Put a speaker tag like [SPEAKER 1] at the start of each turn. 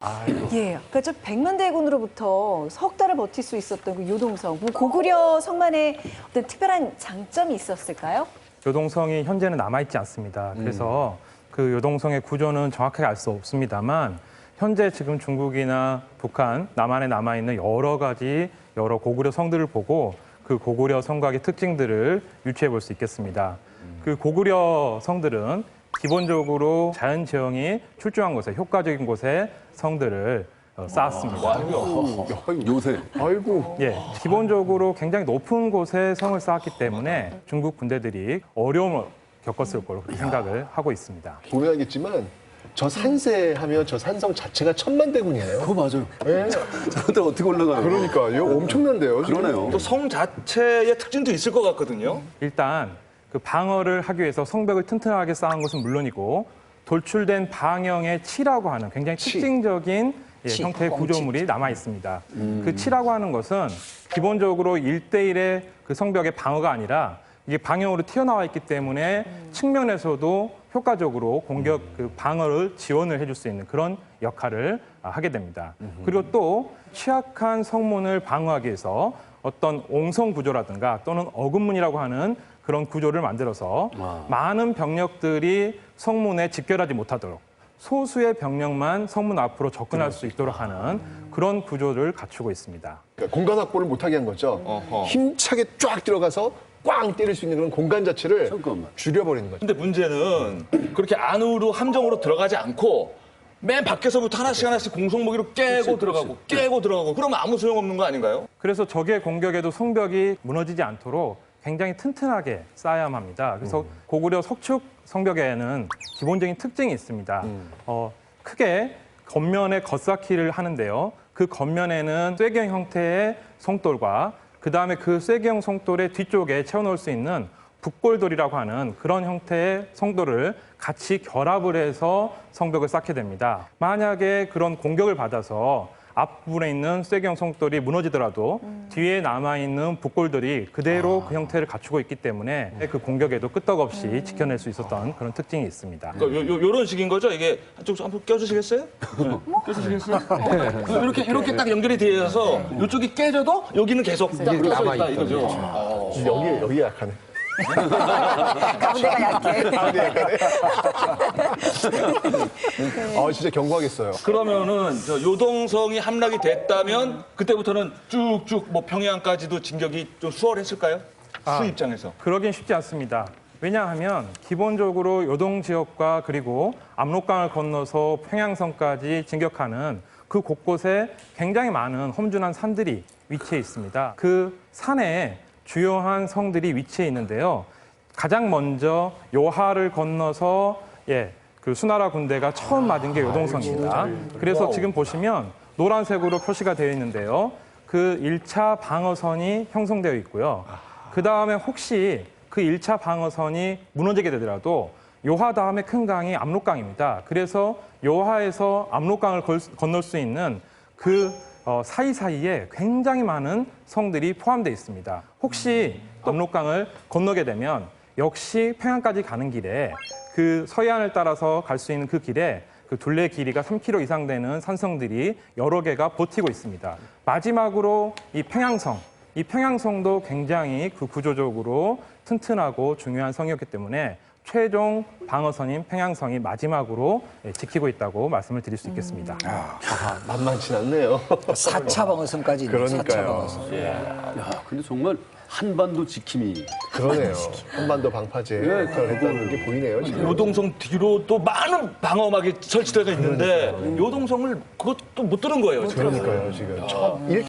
[SPEAKER 1] 예, 그러니까 저 백만대군으로부터 석 달을 버틸 수 있었던 그 요동성, 뭐 고구려 성만의 어떤 특별한 장점이 있었을까요?
[SPEAKER 2] 요동성이 현재는 남아있지 않습니다. 그래서 그 요동성의 구조는 정확하게 알 수 없습니다만 현재 지금 중국이나 북한, 남한에 남아있는 여러 고구려 성들을 보고 그 고구려 성곽의 특징들을 유추해 볼 수 있겠습니다. 그 고구려 성들은 기본적으로 자연 재형이 출중한 곳에, 효과적인 곳에 성들을 쌓았습니다.
[SPEAKER 3] 요새.
[SPEAKER 4] 아이고.
[SPEAKER 2] 예, 기본적으로 굉장히 높은 곳에 성을 쌓았기 때문에 중국 군대들이 어려움을 겪었을 거로 그렇게 생각을 하고 있습니다.
[SPEAKER 4] 보면 알겠지만 저 산세하면 저 산성 자체가 천만대군이에요.
[SPEAKER 3] 그거 맞아요.
[SPEAKER 4] 예.
[SPEAKER 3] 저한테 어떻게 올라가요?
[SPEAKER 4] 그러니까요. 엄청난데요. 지금.
[SPEAKER 3] 그러네요.
[SPEAKER 5] 또 성 자체의 특징도 있을 것 같거든요.
[SPEAKER 2] 일단 그 방어를 하기 위해서 성벽을 튼튼하게 쌓은 것은 물론이고 돌출된 방형의 치라고 하는 굉장히 특징적인 형태의 구조물이 남아 있습니다. 그 치라고 하는 것은 기본적으로 1대1의 그 성벽의 방어가 아니라 이게 방형으로 튀어나와 있기 때문에 측면에서도 효과적으로 공격 그 방어를 지원을 해줄 수 있는 그런 역할을 하게 됩니다. 그리고 또 취약한 성문을 방어하기 위해서 어떤 옹성 구조라든가 또는 어근문이라고 하는 그런 구조를 만들어서 많은 병력들이 성문에 직결하지 못하도록 소수의 병력만 성문 앞으로 접근할 수 있도록 하는 그런 구조를 갖추고 있습니다.
[SPEAKER 4] 그러니까 공간 확보를 못하게 한 거죠.
[SPEAKER 5] 어허.
[SPEAKER 4] 힘차게 쫙 들어가서 꽝 때릴 수 있는 그런 공간 자체를
[SPEAKER 3] 잠깐만.
[SPEAKER 4] 줄여버리는 거죠.
[SPEAKER 5] 근데 문제는 그렇게 안으로 함정으로 들어가지 않고 맨 밖에서부터 하나씩 공성무기로 깨고 들어가고 깨고 들어가고 그러면 아무 소용없는 거 아닌가요?
[SPEAKER 2] 그래서 적의 공격에도 성벽이 무너지지 않도록 굉장히 튼튼하게 쌓아야만 합니다. 그래서 고구려 석축 성벽에는 기본적인 특징이 있습니다. 크게 겉면에 겉쌓기를 하는데요. 그 겉면에는 쇠경 형태의 송돌과 그다음에 그 쇠경 송돌의 뒤쪽에 채워넣을 수 있는 북골돌이라고 하는 그런 형태의 성돌을 같이 결합을 해서 성벽을 쌓게 됩니다. 만약에 그런 공격을 받아서 앞부분에 있는 쇠경 송돌이 무너지더라도 뒤에 남아있는 북골들이 그대로 그 형태를 갖추고 있기 때문에 그 공격에도 끄떡없이 지켜낼 수 있었던 그런 특징이 있습니다.
[SPEAKER 5] 그러니까 요런 식인 거죠? 이게 한쪽 한번 껴주시겠어요? 껴주시겠어요? 이렇게 딱 연결이 되어서 이쪽이 깨져도 여기는 계속 딱 껴져 있다 이거죠.
[SPEAKER 4] 여기에 약하네.
[SPEAKER 1] 가운데가 약해.
[SPEAKER 4] 진짜 견고하겠어요.
[SPEAKER 5] 그러면은 저 요동성이 함락이 됐다면 그때부터는 쭉쭉 뭐 평양까지도 진격이 좀 수월했을까요? 수 입장에서.
[SPEAKER 2] 그러긴 쉽지 않습니다. 왜냐하면 기본적으로 요동 지역과 그리고 압록강을 건너서 평양성까지 진격하는 그 곳곳에 굉장히 많은 험준한 산들이 위치해 있습니다. 그 산에 주요한 성들이 위치해 있는데요. 가장 먼저 요하를 건너서 그 수나라 군대가 처음 맞은 게 요동성입니다. 그래서 지금 보시면 노란색으로 표시가 되어 있는데요. 그 1차 방어선이 형성되어 있고요. 그 다음에 혹시 그 1차 방어선이 무너지게 되더라도 요하 다음에 큰 강이 압록강입니다. 그래서 요하에서 압록강을 건널 수 있는 그 사이사이에 굉장히 많은 성들이 포함되어 있습니다. 혹시 압록강을 건너게 되면 역시 평양까지 가는 길에 그 서해안을 따라서 갈 수 있는 그 길에 그 둘레 길이가 3km 이상 되는 산성들이 여러 개가 버티고 있습니다. 마지막으로 이 평양성도 굉장히 그 구조적으로 튼튼하고 중요한 성이었기 때문에 최종 방어선인 평양성이 마지막으로 지키고 있다고 말씀을 드릴 수 있겠습니다.
[SPEAKER 4] 만만치 않네요.
[SPEAKER 6] 4차 방어선까지 있네요. 4차
[SPEAKER 4] 그러니까요.
[SPEAKER 6] 방어선.
[SPEAKER 3] 야, 근데 정말 한반도 지킴이.
[SPEAKER 4] 그러네요. 한반도 방파제 역할을 했다는 게 보이네요. 지금.
[SPEAKER 5] 요동성 뒤로 또 많은 방어막이 설치되어 있는데 요동성을 그것도 못 들은 거예요.
[SPEAKER 4] 그러니까요. 지금 처음